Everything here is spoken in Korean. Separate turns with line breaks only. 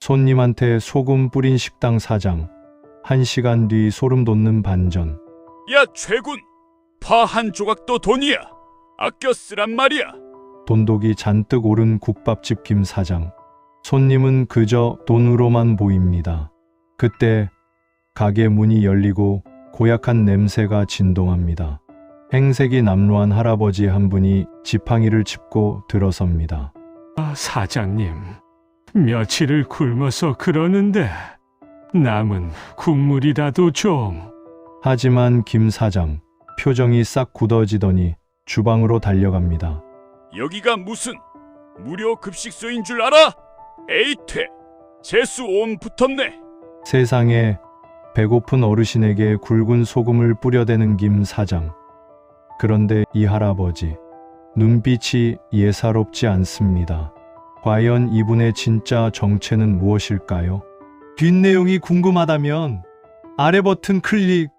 손님한테 소금 뿌린 식당 사장. 1시간 뒤 소름 돋는 반전.
야 최군, 파 한 조각도 돈이야. 아껴 쓰란 말이야.
돈독이 잔뜩 오른 국밥집 김 사장. 손님은 그저 돈으로만 보입니다. 그때 가게 문이 열리고 고약한 냄새가 진동합니다. 행색이 남루한 할아버지 한 분이 지팡이를 짚고 들어섭니다.
사장님, 며칠을 굶어서 그러는데 남은 국물이라도 좀.
하지만 김 사장 표정이 싹 굳어지더니 주방으로 달려갑니다.
여기가 무슨 무료 급식소인 줄 알아? 에이퇴, 재수 온 붙었네.
세상에 배고픈 어르신에게 굵은 소금을 뿌려대는 김 사장. 그런데 이 할아버지 눈빛이 예사롭지 않습니다. 과연 이분의 진짜 정체는 무엇일까요? 뒷내용이 궁금하다면 아래 버튼 클릭